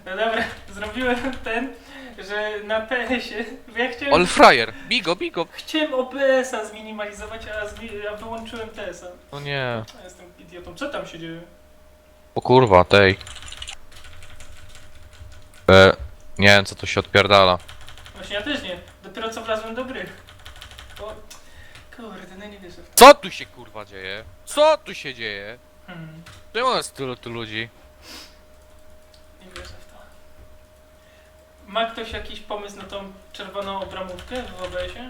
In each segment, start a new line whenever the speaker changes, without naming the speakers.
No dobra, zrobiłem ten, że na PS-ie, ja chciałem...
All fryer, bigo, bigo.
Chciałem OBS-a zminimalizować, a wyłączyłem TS-a.
No nie.
Ja jestem idiotą. Co tam się dzieje?
O kurwa, tej. Nie wiem co tu się odpierdala.
Właśnie ja też nie. Dopiero co wlazłem do gry. O, kurde, no nie wierzę w to.
Co tu się kurwa dzieje? Co tu się dzieje?
Hmm,
Czemu jest tylu tu ludzi?
nie wierzę w to. Ma ktoś jakiś pomysł na tą czerwoną obramówkę w OBS-ie?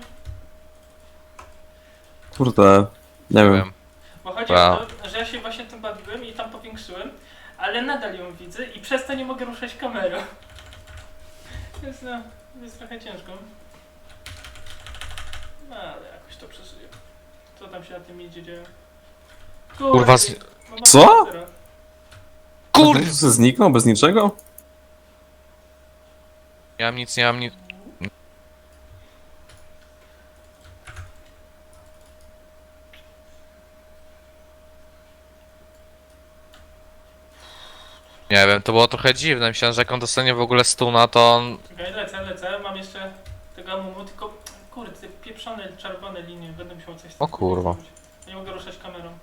Kurde, nie wiem.
Bo chodzi
Wow.
o to, że ja się właśnie tym bawiłem i tam powiększyłem, ale nadal ją widzę i przez to nie mogę ruszać kamerą. Więc no, jest trochę ciężko. No, ale jakoś to przeżyję. Co tam się na tym idzie dzieje?
Kurwa,
no,
Co?
zero.
Kurde!
Tak to zniknął bez niczego?
Nie mam nic, nie mam nic. Nie wiem, to było trochę dziwne. Myślałem, że jak on dostanie w ogóle stuna, to on...
Czekaj, lecę. Mam jeszcze tego amumu, tylko kurde, te pieprzone czerwone linie. Będę musiał coś z tym
O kurwa.
zrobić. Nie mogę ruszać kamerą.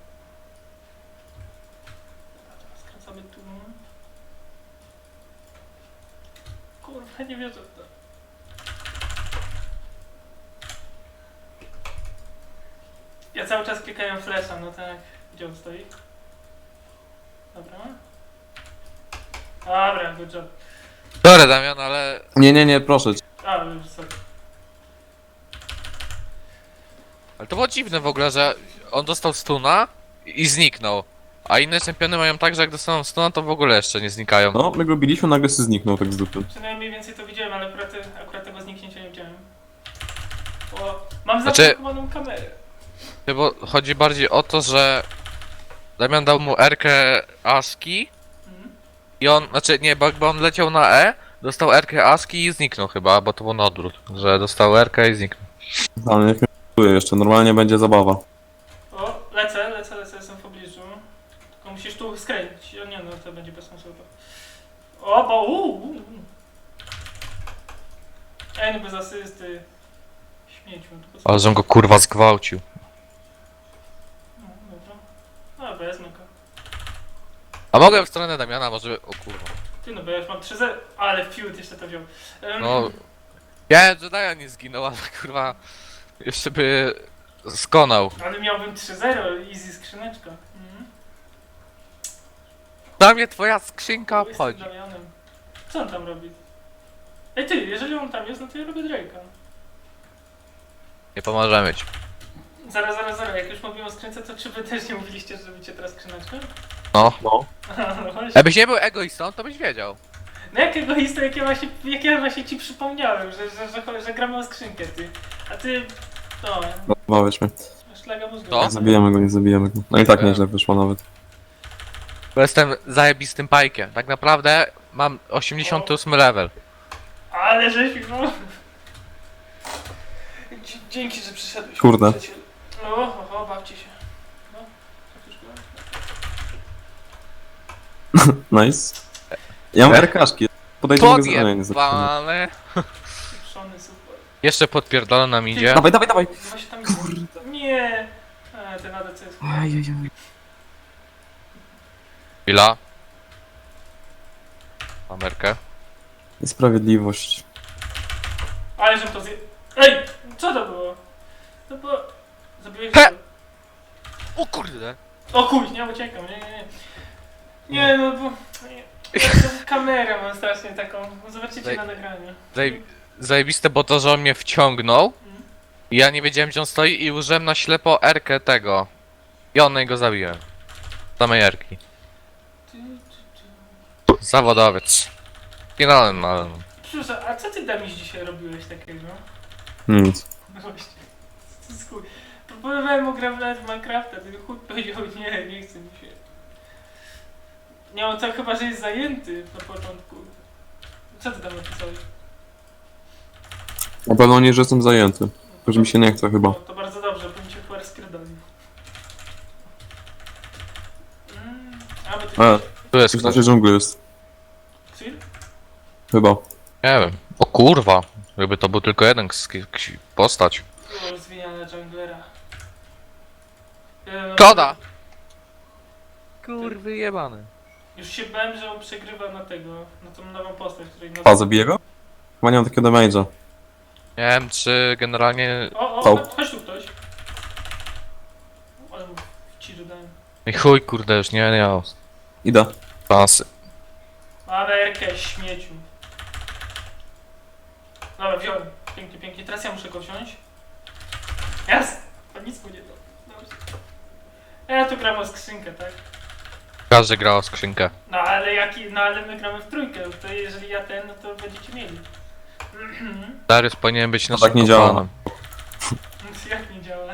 Skracamy tu. Kurwa, nie wierzę w to. Ja cały czas klikałem flasha, no tak. Gdzie on stoi? Dobra. Dobra, good job.
Dobra, Damian, ale...
Nie, proszę cię.
A, już sorry.
Ale to było dziwne w ogóle, że on dostał stuna i zniknął. A inne czempiony mają tak, że jak dostaną stuna, to w ogóle jeszcze nie znikają.
No, my go biliśmy, nagle się zniknął tak z dupy.
Przynajmniej więcej to widziałem, ale akurat tego zniknięcia nie widziałem. Bo mam
Znaczy-
zablokowaną kamerę.
Bo chodzi bardziej o to, że Damian dał mu Rkę Aski
Mhm.
i on, znaczy nie, bo on leciał na E, dostał Rkę Aski i zniknął chyba, bo to było na odwrót, że dostał Rkę i zniknął.
Ale niech mnie czuje jeszcze, normalnie będzie zabawa.
O, lecę, jestem w pobliżu. Tylko musisz tu skręcić. O nie, no to będzie bez sensu. O, bo Ej, no bez asysty. Śmieciu. To bez...
Ale żem go kurwa zgwałcił.
No, dobra. No, wezmę go.
A mogłem w stronę Damiana, może... O kurwa.
Ty no, bo ja już mam 3-0. Ale fiut jeszcze to wziął.
No... Ja że Damian nie zginął, ale kurwa... Jeszcze by... skonał.
Ale miałbym 3-0, easy skrzyneczka. Mhm.
Dla mnie twoja skrzynka
Jestem
obchodzi.
Damianem. Co on tam robi? Ej ty, jeżeli on tam jest, no to ja robię Drake'a.
Nie pomożemy ci.
Zaraz, jak już mówimy o skrzynce, to czy wy też nie mówiliście, że robicie teraz skrzyneczkę?
No.
No.
No właśnie.
Jakbyś nie był egoistą, to byś wiedział.
No jakiego historii, jak ja właśnie ci przypomniałem, że gramy o skrzynkę, ty. A ty, no,
Bawisz mnie.
szlaga mózgu.
To?
Nie zabijemy go. No i tak nieźle wyszło nawet.
Bo jestem zajebistym pajkiem. Tak naprawdę mam 88 level.
Ale żeś, no. Dzięki, że przyszedłeś.
Kurde.
przyjacielu. No, bawcie się. No, trafisz go?
Nice. Ja mam RKaszki. Podejdę mogę zrobić.
Podjebane.
Pieprzony, super.
Jeszcze podpierdolę nam idzie.
Dawaj.
No właśnie tam kurde. Nie. Ten ADC jest.
Chwila. Amerkę.
Niesprawiedliwość.
Ale żebym to zje... Ej! Co to było? To było... Zabiłeś
He!
go.
O kurde.
O kuj, nie uciekam, nie. Nie no bo... Nie. Ja kamerę mam strasznie taką. Zobaczycie
Daj-
na nagraniu.
Zajebiste, bo to, że on mnie wciągnął.
Mhm.
I ja nie wiedziałem, gdzie on stoi i użyłem na ślepo Erkę tego. I on go zabiłem. Samej Erki. Zawodowiec. Finalny, ale...
Przepraszam, a co ty Damiś dzisiaj robiłeś takiego?
Nic.
No właśnie. To jest chuj. Próbowałem ograwać Minecrafta, tylko chuj powiedział nie chce mi się. Nie, on tak chyba, że jest zajęty na początku. Co ty tam napisałeś?
Na pewno nie, że jestem zajęty. Tylko, że mi się nie chce chyba.
No, to bardzo dobrze, bo mi się chyba rozpierdolił. A my tu...
E,
Tu jest
w
ktoś.
naszej dżungli jest.
Sil?
Chyba.
Nie wiem. O kurwa. Jakby to był tylko jeden postać.
Było rozwijane junglera.
Koda! Kurwy jebany.
Już się bałem, że on przegrywa na tego, na tą nową postać, której
A, zabiję go? Chyba nie mam takiego damage'a.
Nie wiem, czy generalnie...
O,
Stał.
chodź tu ktoś. Ale mu ci dodałem.
I chuj, kurde, już nie miał
Idę.
pasy.
Mamy Erkę, śmieciu. Dobra, wziąłem. Pięknie, pięknie. Teraz ja muszę go wziąć. Jest! To nic mu nie da. Dobrze. Ja tu gram o skrzynkę, tak?
Każdy grał o skrzynkę.
No ale no ale my gramy w trójkę, to jeżeli ja ten, no to będziecie mieli.
Darius powinien być
No
naszym
tak nie działa.
kompanem.
Jak nie działa?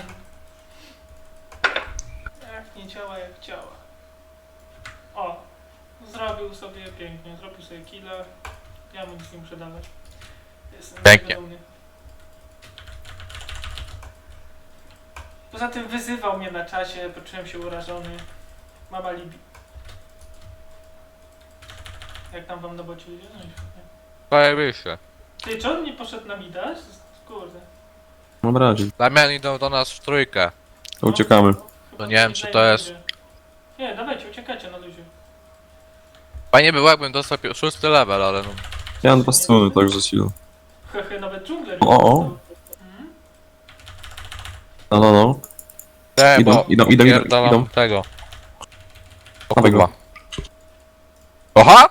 Jak nie działa, jak działa. O! Zrobił sobie pięknie, zrobił sobie killa. Ja mu nic nie muszę dawać. Jestem
Pięknie.
zadowolony. Poza tym wyzywał mnie na czasie, poczułem się urażony. Mama Libi. Jak tam wam na bocie idzie? No i świetnie.
Zajebiście.
Ty, czy on nie poszedł na midaż? Kurde.
Mam razie.
Damian idą do nas w trójkę.
To uciekamy.
Chyba
No nie wiem, czy to
nie
jest-
będzie. Nie, dawajcie, uciekacie na luzie.
Fajnie było, jakbym dostał 6 level, ale no...
Ja mam 2 struny, także siłę.
Hehe, nawet dżungler.
O.
Mhm.
No.
Te,
Idą,
bo
idą,
pierdalam tego. O
Dawaj go.
kurwa. Oha!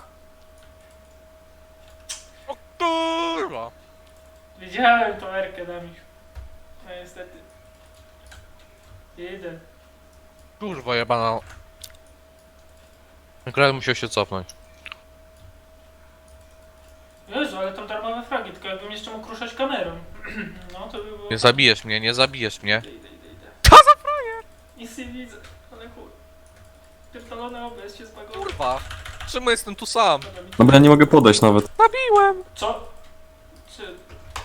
O kurwa!
Widziałem tą Erkę na mich. No niestety. Jeden.
Kurwa jebana. Akurat musiał się cofnąć.
Jezu, ale tam darmowe fragi, tylko jakbym jeszcze mógł ruszać kamerą. No to by było...
Nie zabijesz mnie, nie zabijesz mnie.
Idę.
Co za frajer!
Nic nie widzę, ale chuj. Pierdolone OBS się zbagowało.
Kurwa! Czemu jestem tu sam?
Dobra, mi-
No bo ja nie mogę podejść nawet.
Zabiłem!
Co? Czy...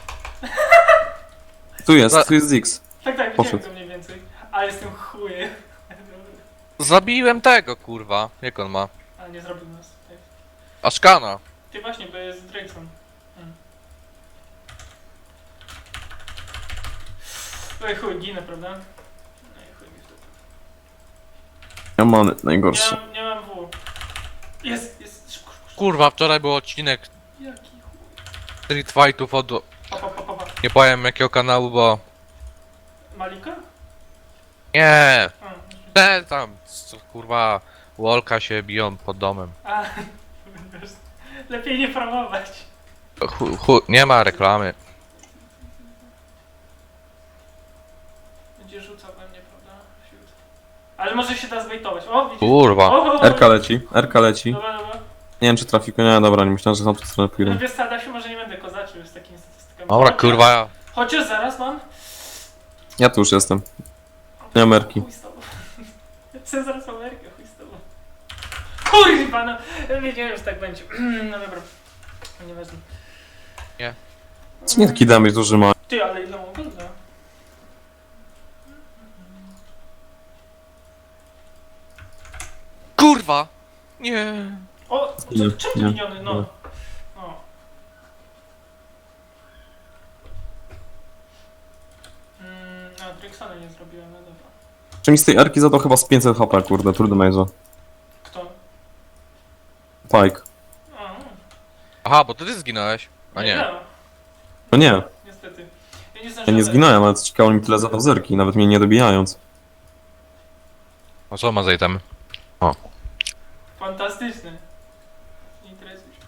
Tu jest Ziggs.
Tak, widziałem
Poszedł.
go mniej więcej. Ale jestem chujem.
Zabiłem tego kurwa. Jak on ma?
Ale nie zrobił nas. Tak.
Ashkana.
Ty właśnie, bo jest Drakeson. Oj chuj, ginę, prawda? No i chuj mi w dupę.
Ja mam najgorsze.
Nie mam W. Jest, szybko.
Kurwa, wczoraj był odcinek
Jaki chuj.
Street Fightów od...
Pa.
Nie powiem jakiego kanału, bo...
Malika?
Nie!
A,
Te tam, kurwa, Wolka się biją pod domem.
a wiesz, lepiej nie promować.
Nie ma reklamy.
Będzie rzucał we mnie, prawda? Fiut. Ale może się da zbejtować. O, widzisz?
Kurwa.
O.
RK leci.
Dobra.
Nie wiem czy trafiku, nie, dobra, nie myślałem, że na tą stronę pójdę.
Wiesz co, Adasiu, może nie będę kozaczył z takimi statystykami.
Dobra, kurwa.
Chociaż zaraz mam.
Ja tu już jestem. Nie mam Erki.
Chuj z tobą. Chcę zaraz Amerykę, chuj z tobą. Kurwa, no. Wiedziałem, że tak będzie. No dobra. Nieważne.
Co nie taki damage duży ma?
Ty, ale ile mam golda?
Kurwa! Nie.
O,
Nie,
czemu ty
nie,
miniony? No.
nie.
O. A, Drexona nie zrobiłem, no dobra.
Czy mi z tej Erki zadał chyba z 500 HP, kurde, trudny major.
Kto?
Pike.
A,
Aha, bo ty zginąłeś. A nie.
No nie,
Niestety. Ja nie
ja
zdążyłem.
nie zginąłem, ale co ciekawe mi tyle zadał z Erki, nawet mnie nie dobijając.
A co ma za item?
Fantastyczne. Nie interesuj się.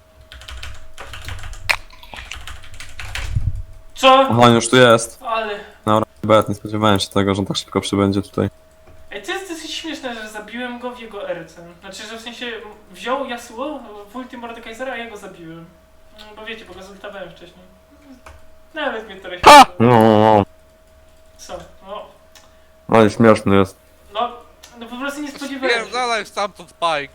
Co?
Aha, już tu jest.
Ale...
Bet, nie spodziewałem się tego, że on tak szybko przybędzie tutaj.
Ej, to jest dosyć śmieszne, że zabiłem go w jego erce. Znaczy, że w sensie wziął Yasuo w ulti Mordekaisera, a ja go zabiłem. No, bo wiecie, bo go zultowałem wcześniej. Nawet mnie trochę
Ha!
się...
No,
Co? No,
ale śmieszny jest.
no po prostu nie spodziewałem się.
Spierdalaj stamtąd Spike.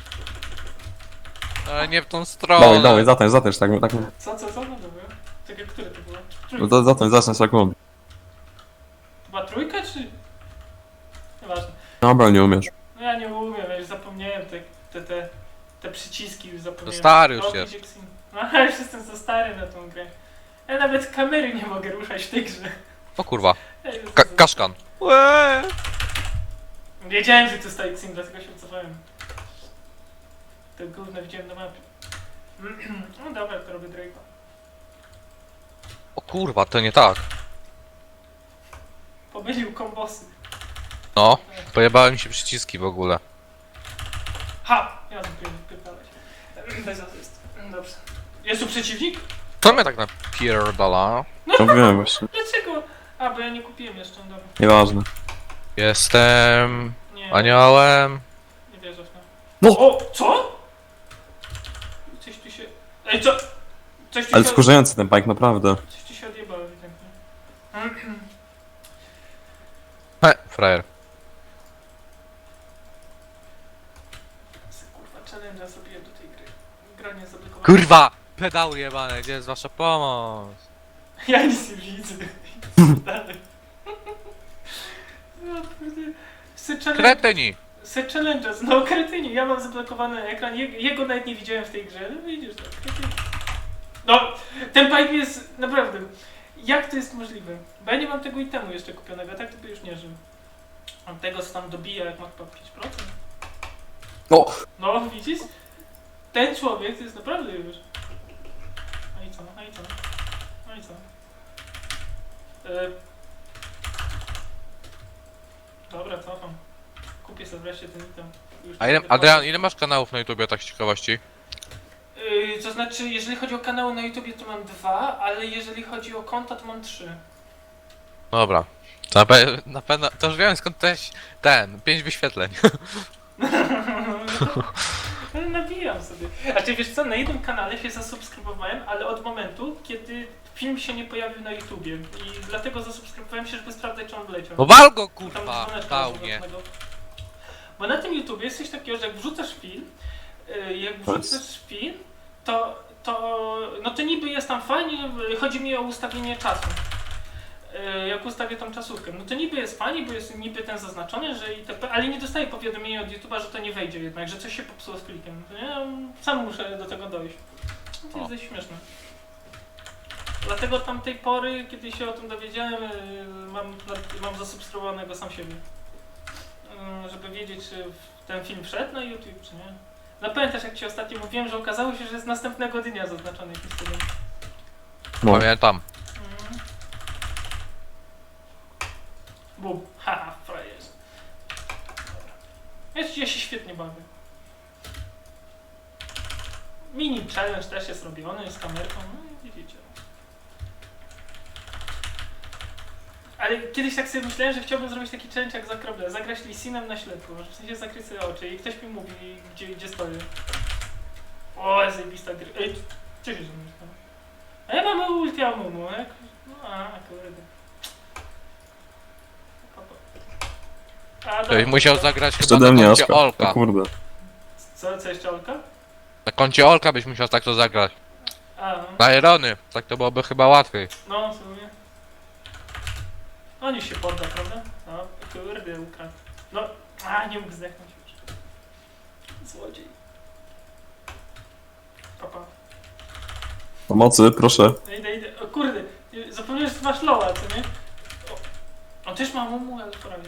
Ale nie w tą stronę.
Dawaj, zatańcz, tak.
Co? No dobra. Czekaj, które to było?
No to zatańcz jak on.
Chyba trójka, czy... Nieważne.
Dobra, nie umiesz.
No ja nie umiem, ja już zapomniałem te przyciski już
To
zapomniałem.
stary już
Rocky
jest.
Jackson. No ale już jestem za stary na tą grę. Ja nawet kamery nie mogę ruszać w tej grze.
O kurwa.
Ja jestem za-
Kaszkan. Łe!
Wiedziałem, że to jest Xim, dlatego się cofałem. To gówno widziałem na mapie. No dobra, to robię Drake'a.
O kurwa, to nie tak.
Pomylił kombosy.
No, pojebały mi się przyciski w ogóle.
Ha! Ja wypierdalać. Bez asyst. Dobrze. Jest tu przeciwnik?
Co mnie tak napierdala?
To wiem właśnie.
Dlaczego? A, bo ja nie kupiłem jeszcze, dobra.
Nieważne.
Jestem...
Nie,
aniołem.
nie wierzę w to.
No!
O! Co? Coś tu się... Ej, co? Coś tu
Ale
się...
wkurzający ten bike, naprawdę.
Coś tu się odjebało ewidentnie.
He, frajer.
Kurwa, challenge'a zrobiłem do tej gry. Gra nie zablokowana.
Kurwa! Pedały jebane, gdzie jest wasza pomoc?
Ja nic nie widzę. Dalej. No, kurde.
Kretyni!
Se challenge'a, no kretyni, ja mam zablokowany ekran, jego nawet nie widziałem w tej grze, no widzisz to, kretyni. No, ten pipe jest, naprawdę, jak to jest możliwe? Bo ja nie mam tego itemu jeszcze kupionego, tak to by już nie żył. On tego co tam dobija, jak ma chyba 5%.
No!
No, widzisz? Ten człowiek to jest naprawdę już. No i co, no i co? No i co? Dobra, cofam. Kupię sobie wreszcie ten item. Już
A ile,
będę
Adrian, ile masz kanałów na YouTubie, tak z ciekawości?
To znaczy, jeżeli chodzi o kanały na YouTubie, to mam 2, ale jeżeli chodzi o konta, to mam 3.
Dobra. To na pewno, to już wiem skąd też ten, 5 wyświetleń.
Ale nabijam sobie. A ty wiesz co, na jednym kanale się zasubskrybowałem, ale od momentu, kiedy film się nie pojawił na YouTubie. I dlatego zasubskrybowałem się, żeby sprawdzać, czy on wleciał.
No wal go
Tam
kurwa,
dzwoneczka
dał
jest
mnie.
zaznacznego. Bo na tym YouTubie jest coś takiego, że jak wrzucasz film, no to niby jest tam fajnie, chodzi mi o ustawienie czasu. Jak ustawię tą czasówkę, no to niby jest fajnie, bo jest niby ten zaznaczony, że itp., ale nie dostaję powiadomienia od YouTube'a, że to nie wejdzie jednak, że coś się popsuło z klikiem. To ja sam muszę do tego dojść. No to jest dość śmieszne. Dlatego od tamtej pory, kiedy się o tym dowiedziałem, mam zasubskrybowanego sam siebie. Żeby wiedzieć, czy ten film wszedł na YouTube, czy nie. No pamiętasz, jak ci ostatnio mówiłem, że okazało się, że jest następnego dnia zaznaczony jakiś tydzień.
No.
Pamiętam.
Bum, haha, frajerz. Ja się świetnie bawię. Mini challenge też jest robiony z kamerką, no i widzicie. Ale kiedyś tak sobie myślałem, że chciałbym zrobić taki challenge jak za krople, zagrać Lisinem na ślepo, w sensie zakryć sobie oczy i ktoś mi mówi, gdzie stoję. O, zajebista gry. Ej, co się ze mną stało? A ja mam ulti Amumu, jak? No, kurde.
To byś musiał zagrać chyba
Przede
na
mnie
koncie
Oskar. O
Olka.
kurde.
Co jeszcze Olka?
Na koncie Olka byś musiał tak to zagrać.
A, no.
Na Irony, tak to byłoby chyba łatwiej.
No, w sumie. On już się podda, prawda? No, kurde, ukradł. No, nie mógł zdechnąć już. Złodziej. Papa.
Pomocy, proszę.
Idę. O kurde, zapomniałem, że ty masz loa, co nie? O, on też ma mumu, ale porabię.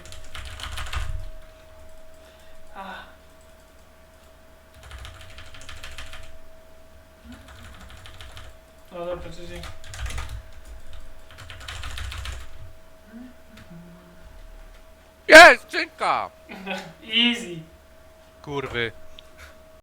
No dobra, czyli...
Jest, skrzynka!
Easy.
Kurwy.